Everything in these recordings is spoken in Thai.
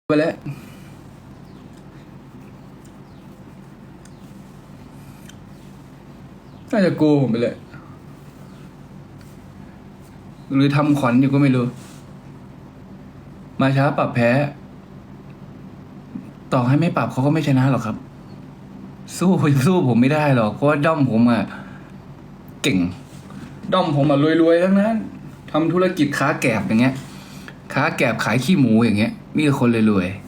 ไปแล้วน่าจะโกงผมไปเลยหรือทำขวัญอยู่ก็ไม่รู้ มาช้าปรับแพ้ ต่อให้ไม่ปรับเขาก็ไม่ชนะหรอกครับ สู้ผมไม่ได้หรอกเพราะว่าด้อมผมอะเก่งด้อมผมอะรวยๆทั้งนั้นทำธุรกิจค้าแกบอย่างเงี้ยค้าแกบขายขี้หมูอย่างเงี้ยมีแต่คนรวย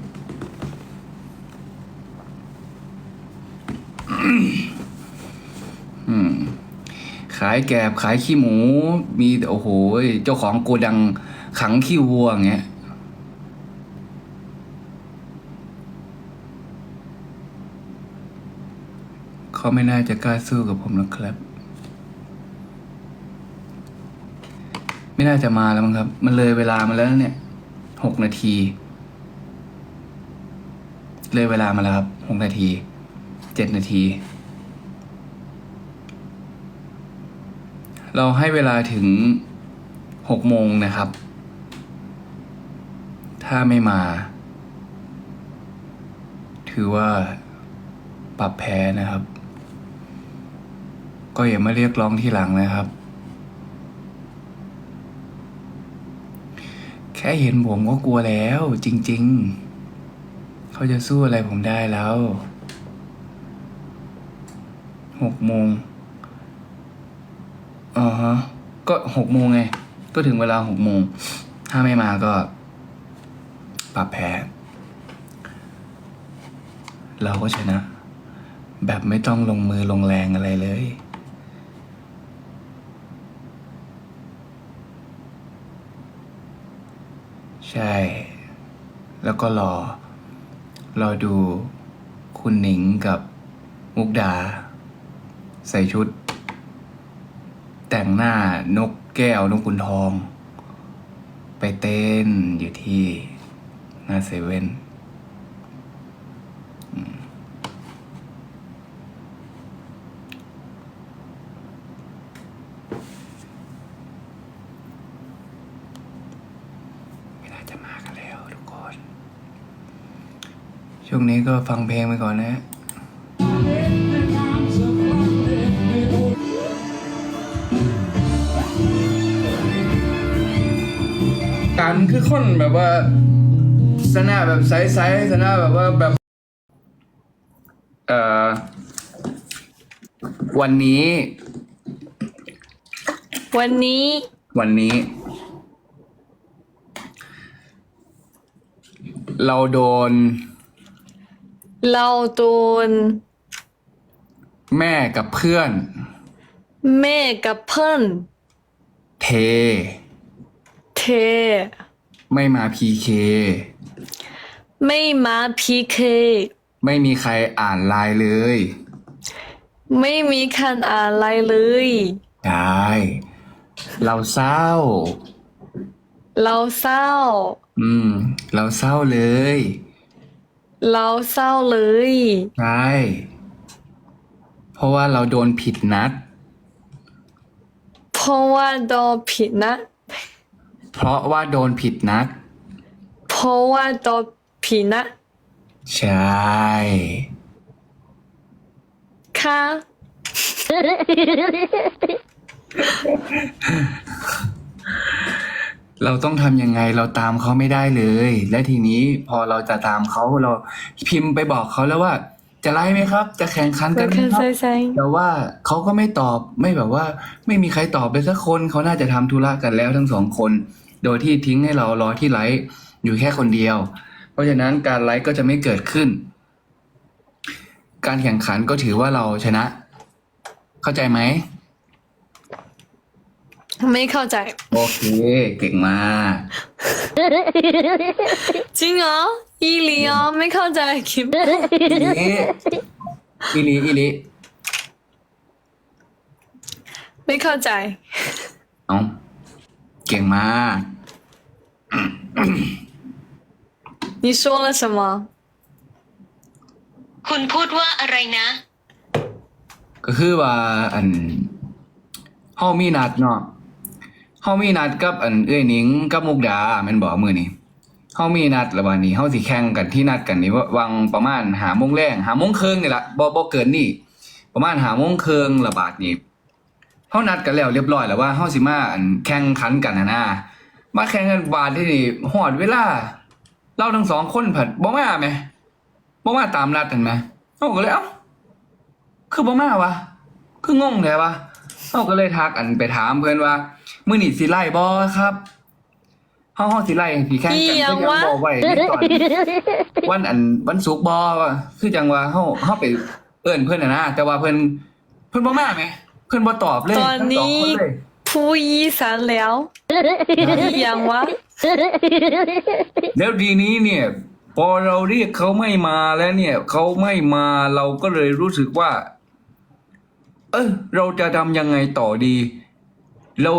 ๆขายแกบขายขี้หมู มีแต่โอ้โหเจ้าของโกดังขังขี้วัวอย่างเงี้ยเขาไม่น่าจะกล้าสู้กับผมนะครับ ไม่น่าจะมาแล้วมั้งครับ มันเลยเวลามาแล้วเนี่ย6 นาทีเลยเวลามาแล้วครับ6 นาที7 นาทีเราให้เวลาถึง6 โมงนะครับ ถ้าไม่มา ถือว่าปรับแพ้นะครับ ก็อย่ามาเรียกร้องที่หลังนะครับ แค่เห็นผมก็กลัวแล้วจริงๆ เขาจะสู้อะไรผมได้แล้ว6 โมงฮะก็6 โมงไง ก็ถึงเวลา6 โมง ถ้าไม่มาก็ปรับแพ้ เราก็ชนะ แบบไม่ต้องลงมือลงแรงอะไรเลย ใช่ แล้วก็รอดูคุณหนิงกับมุกดา ใส่ชุด แต่งหน้านกแก้วนกขุนทอง ไปเต้นอยู่ที่หน้าเซเว่นไม่น่าจะมากันแล้วทุกคน ช่วงนี้ก็ฟังเพลงไปก่อนนะ การคือคนแบบว่าสนาแบบใสๆสนาแบบว่าแบบเอ่อวันนี้วันนี้วันนี้ เราโดนเราโดนแม่กับเพื่อนแม่กับเพื่อนเทเทไม่มาพีเคไม่มาพีเคไม่มีใครอ่านไลน์เลยไม่มีคันอะไรเลยได้ เราเศร้าเราเศร้าเราเศร้าเลยเราเศร้าเลยใช่ เพราะว่าเราโดนผิดนัดเพราะว่าโดนผิดนะเพราะว่าโดนผิดนัดเพราะว่าโดนผิดนะใช่ค่ะเราต้องทำยังไงเราตามเขาไม่ได้เลย และทีนี้พอเราจะตามเขาเราพิมพ์ไปบอกเขาแล้วว่า จะไล่ไหมครับ จะแข่งขันกันไหมครับใส่แต่ว่าเขาก็ไม่ตอบไม่แบบว่า ไม่มีใครตอบเลยสักคนเขาน่าจะทำธุระกันแล้วทั้ง2 คน โดยที่ทิ้งให้เรารอที่ไลฟ์อยู่แค่คนเดียว เพราะฉะนั้นการไลฟ์ก็จะไม่เกิดขึ้น การแข่งขันก็ถือว่าเราชนะ เข้าใจไหมไม่เข้าใจโอเค เก่งมากจริงเหรออีหลีอ๋อไม่เข้าใจคิมอีลีไม่เข้าใจเอาเก่งมาก你说了什么คุณพูดว่าอะไรนะก็คือว่าเฮามีนัดเนาะเฮามีนัดกับเอ้ยหนิงกับมุกดาแม่นบ่มื้อนี้เฮามีนัดแล้ววันนี้เฮาสิแข่งกันที่นัดกันนี่ว่าวังประมาณ5 โมงแรง5 โมงครึ่งนี่ละบ่เกินนี่ประมาณ5 โมงครึ่งละบาทนี่เฮานัดกันแล้วเรียบร้อยแล้วว่าเฮาสิมาแข่งขันกันนะมาแข่งกันบาทที่นี่ฮอดเวลาเราทั้งสองคนผัดบ่มาแหมบ่มาตามนัดกันแหมเฮาก็เลยเอ้าคือบ่มาวะคืองงแท้วะเฮาก็เลยทักไปถามเพิ่นว่ามื้อนี้สิไล่บ่ครับเฮาสิไล่สิแข่งกันคือยังบ่ไว้ในตอนวันศุกร์บ่ว่าคือจังว่าเฮาไปเอิ้นเพิ่นนะแต่ว่าเพิ่นบ่มาแหมเพิ่นบ่ตอบเลยตอนนี้ทั้งสองคนเลยพูดอีสานแล้วอีหยังวะแล้วทีนี้เนี่ย พอเราเรียกเขาไม่มาแล้วเนี่ยเขาไม่มาเราก็เลยรู้สึกว่า เราจะทำยังไงต่อดี เรา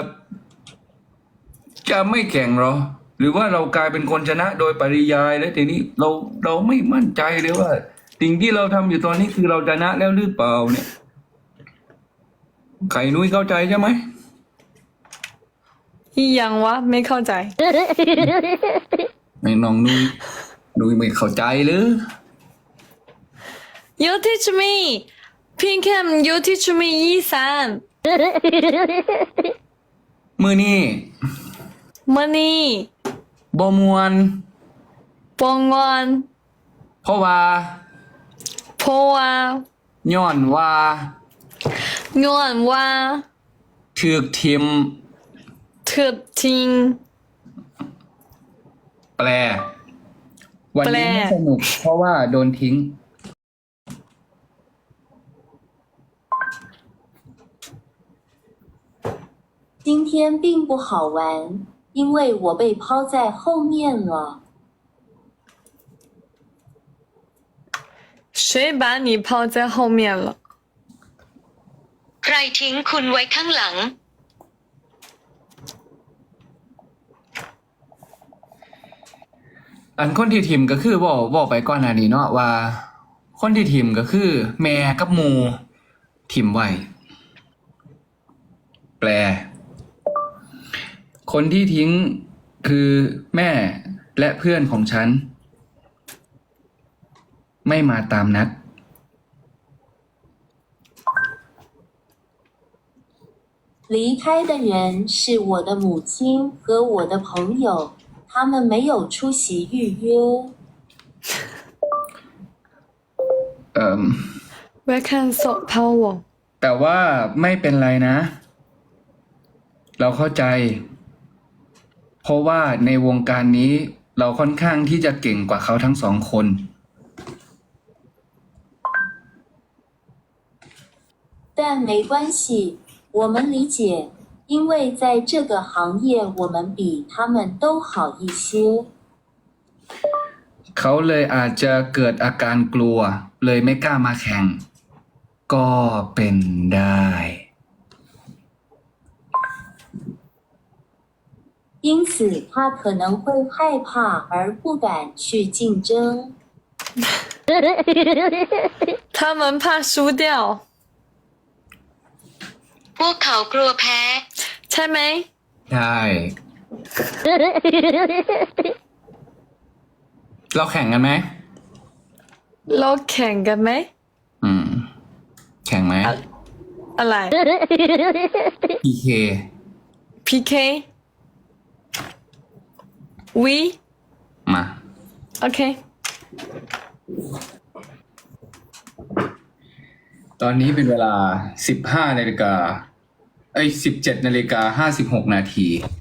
จะไม่แข่งเหรอ หรือว่าเรากลายเป็นคนชนะโดยปริยายแล้วทีนี้เราไม่มั่นใจเลยว่า สิ่งที่เราทำอยู่ตอนนี้คือเราชนะแล้วหรือเปล่าเนี่ยไข่นุ้ยเข้าใจใช่ไหมอีหยังวะ ไม่เข้าใจไม่น้องนุ้ยไม่เข้าใจหรือ You teach me Pink Cam You teach me อีสานมือนี่มื้อนี้บ่มวนบ่งอนเพราะว่าเพราะว่าย้อนว่าย้อนว่าถูกทิมถูกทิ้งแปล วันนี้ไม่สนุกเพราะว่าโดนทิ้ง今天并不好玩，因为我被抛在后面了。 谁把你抛在后面了？ ใครทิ้งคุณไว้ข้างหลังอันคนที่ทิมก็คือบอกไปก่อนหน้านี้เนาะว่า คนที่ทิมก็คือ แม่กับหมูทิมไว้ แปล คนที่ทิ้งคือแม่และเพื่อนของฉัน ไม่มาตามนัด离开的人是我的母亲和我的朋友，他们没有出席预约。 Where can so power？ แต่ว่าไม่เป็นไรนะ เราเข้าใจ เพราะว่าในวงการนี้เราค่อนข้างที่จะเก่งกว่าเขาทั้งสองคน但没关系，我们理解，因为在这个行业我们比他们都好一些。 เขาเลยอาจจะเกิดอาการกลัว เลยไม่กล้ามาแข่ง ก็เป็นได้因此，他可能会害怕而不敢去竞争。 他们怕输掉， พวกเขากลัวแพ้ใช่ไหมใช่ เราแข่งกันไหมเราแข่งกันไหมแข่งไหมอะไร PK PK We มาโอเคตอนนี้เป็นเวลา 17:56 นาฬิกา 56 นาที